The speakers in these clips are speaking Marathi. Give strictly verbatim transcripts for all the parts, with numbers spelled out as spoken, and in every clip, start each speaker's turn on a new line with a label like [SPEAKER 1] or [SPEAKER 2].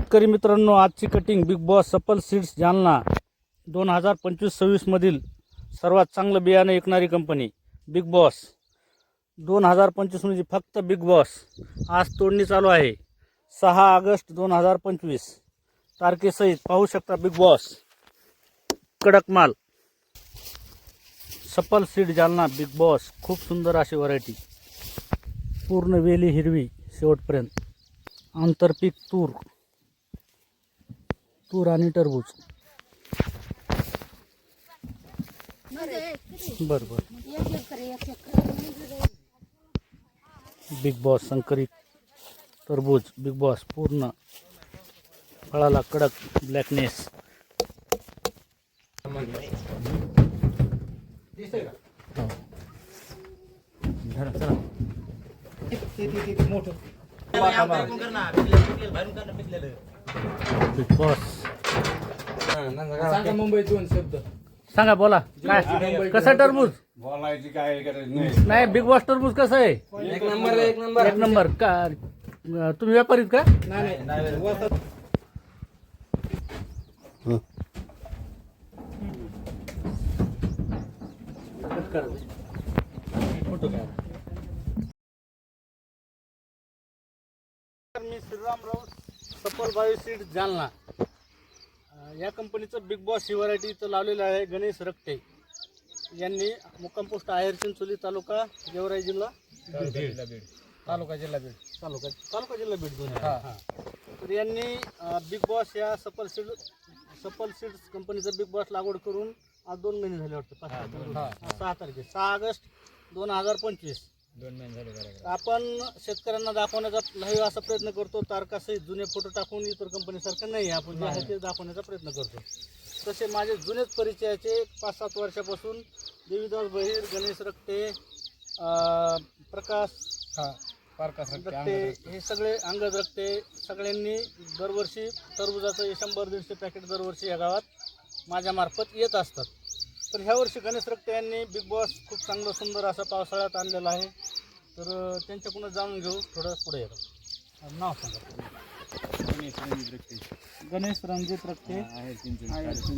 [SPEAKER 1] शेतकरी मित्रांनो, आजची cutting Big Boss Safal seeds Jalna दोन हजार पंचवीस सव्वीस मधील सर्वात चांगलं बियाणं विकणारी कंपनी बिग बॉस. दोन हजार पंचवीस म्हणजे फक्त बिग बॉस. आज तोडणी चालू आहे. सहा ऑगस्ट दोन हजार पंचवीस तारखेसहित पाहू शकता. बिग बॉस कडक माल. सफल सीड जालना बिग बॉस. खूप सुंदर अशी व्हरायटी. पूर्ण वेली हिरवी शेवटपर्यंत. आंतरपीक तूर तूर आणि टरबूज. बर बर बिग बॉस संकरित टरबूज. बिग बॉस पूर्ण फळाला कडक ब्लॅकनेस. बिग बॉस
[SPEAKER 2] मुंबई दोन शब्द
[SPEAKER 1] सांगा, बोला. काय कसं टरबूज
[SPEAKER 3] बोलायची काय गरज नाही.
[SPEAKER 1] नाही, बिग बॉस टरबूज कसं आहे?
[SPEAKER 2] एक नंबर एक नंबर
[SPEAKER 1] एक नंबर. का तुम्ही व्यापारीत का?
[SPEAKER 2] नाही नाही
[SPEAKER 1] फोटो काय? मी श्रीरामराव सफल बायो सीड जालना. या कंपनीचं बिग बॉस ही व्हरायटी इथं लावलेलं आहे. गणेश रक्ते यांनी मुक्काम पोस्ट आहेर चिंचोली, तालुका गेवराई, जिल्हा
[SPEAKER 2] तालुका जिल्हा बीड.
[SPEAKER 1] तालुका तालुका जिल्हा बीड दोन्ही. हां हां तर यांनी बिग बॉस या सफल सीड सफल सीड्स कंपनीचं बिग बॉस लागवड करून आज दोन महिने झाले वाटतं. पाच सहा तारखे सहा ऑगस्ट दोन हजार पंचवीस
[SPEAKER 2] दोन महिने झाले.
[SPEAKER 1] आपण शेतकऱ्यांना दाखवण्याचा लहान असा प्रयत्न करतो. तारखासहित जुने फोटो टाकून इतर कंपनीसारखं नाही, आपण जे आहे ते दाखवण्याचा प्रयत्न करतो. तसे माझे जुनेच परिचयाचे पाच सात वर्षापासून देवीदास बहिर, गणेश रक्ते, प्रकाश
[SPEAKER 2] हा पारकास
[SPEAKER 1] रक्ते, हे सगळे अंगद रक्ते, सगळ्यांनी दरवर्षी टरबुजाचं हे शंभर दीडशे पॅकेट दरवर्षी या गावात माझ्यामार्फत येत असतात. तर ह्या वर्षी गणेश रक्ते यांनी बिग बॉस खूप चांगलं सुंदर असं पावसाळ्यात आणलेलं आहे. तर त्यांच्याकडून जाणून घेऊ. थोडं पुढे येतो. नाव सांगा.
[SPEAKER 2] गणेश रणजित रक्ते
[SPEAKER 1] गणेश रणजित रक्ते
[SPEAKER 2] आहे चिंचोली.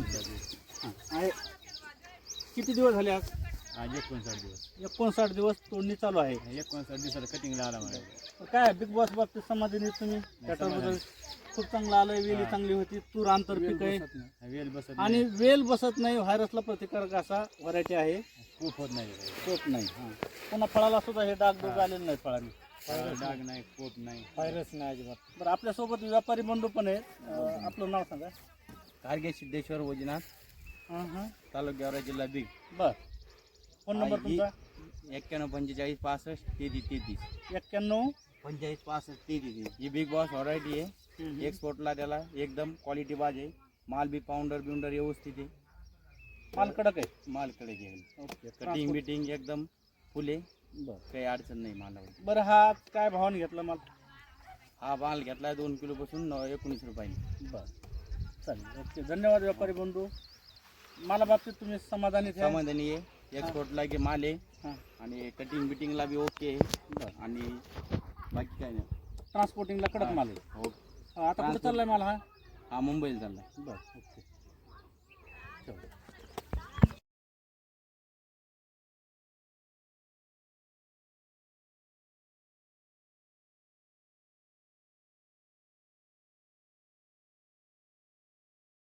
[SPEAKER 1] आहे. किती दिवस झाले आज?
[SPEAKER 2] आज एकोणसाठ दिवस
[SPEAKER 1] एकोणसाठ दिवस तोडणी चालू आहे.
[SPEAKER 2] एकोणसाठ दिवसाला कटिंगला आला मला.
[SPEAKER 1] तर काय बिग बॉस बाबतीत समाधानी आहेत तुम्ही? त्या टरबूज खूप चांगलं आलंय. वेली चांगली होती. तूर आंतरपीक आहे
[SPEAKER 2] वेल बसत
[SPEAKER 1] आणि वेल बसत नाही. व्हायरसला प्रतिकारक असा व्हरायटी आहे.
[SPEAKER 2] खूप होत नाही.
[SPEAKER 1] कोप नाही. हां पुन्हा फळाला सुद्धा हे डाग डोग आलेले नाहीत फळांनी.
[SPEAKER 2] डाग नाही, कोप नाही,
[SPEAKER 1] व्हायरस नाही अजिबात. बरं, आपल्यासोबत व्यापारी बंधू पण आहेत. अं, आपलं नाव सांगा.
[SPEAKER 2] कारगे सिद्धेश्वर वैजनाथ,
[SPEAKER 1] हां हां
[SPEAKER 2] तालुका गेवराई, जिल्हा बीड.
[SPEAKER 1] बर. फोन नंबर तुमचा?
[SPEAKER 2] एक्क्याण्णव पंचेचाळीस पासष्ट तेहतीस तेहतीस
[SPEAKER 1] एक्क्याण्णव
[SPEAKER 2] पंचेचाळीस पासष्ट तेहतीस. ही बिग बॉस व्हरायटी आहे. एक्सपोर्टला त्याला एकदम क्वालिटी बाज आहे. माल बी पाऊंडर बिउंडर व्यवस्थित आहे.
[SPEAKER 1] माल कडक आहे.
[SPEAKER 2] माल कडे घेईल.
[SPEAKER 1] ओके.
[SPEAKER 2] कटिंग बिटिंग एकदम फुले.
[SPEAKER 1] बरं
[SPEAKER 2] काही अडचण नाही मालावर.
[SPEAKER 1] बरं, हा काय भावाने घेतला माल?
[SPEAKER 2] हा माल घेतला दोन किलो पासून एकोणीस रुपयाने.
[SPEAKER 1] बरं चालेल. ओके, धन्यवाद व्यापारी बंधू. माला बाबतीत तुम्ही समाधानी आहे?
[SPEAKER 2] समाधानी आहे. एक्सपोर्टला की माल आहे.
[SPEAKER 1] हां.
[SPEAKER 2] आणि कटिंग बिटिंगला बी ओके आहे. आणि बाकी काय नाही.
[SPEAKER 1] ट्रान्सपोर्टिंगला कडक माल आहे.
[SPEAKER 2] हो.
[SPEAKER 1] आता कुठं चाललाय माल हा?
[SPEAKER 2] हा मुंबईला चालला.
[SPEAKER 1] बरं ओके. चल.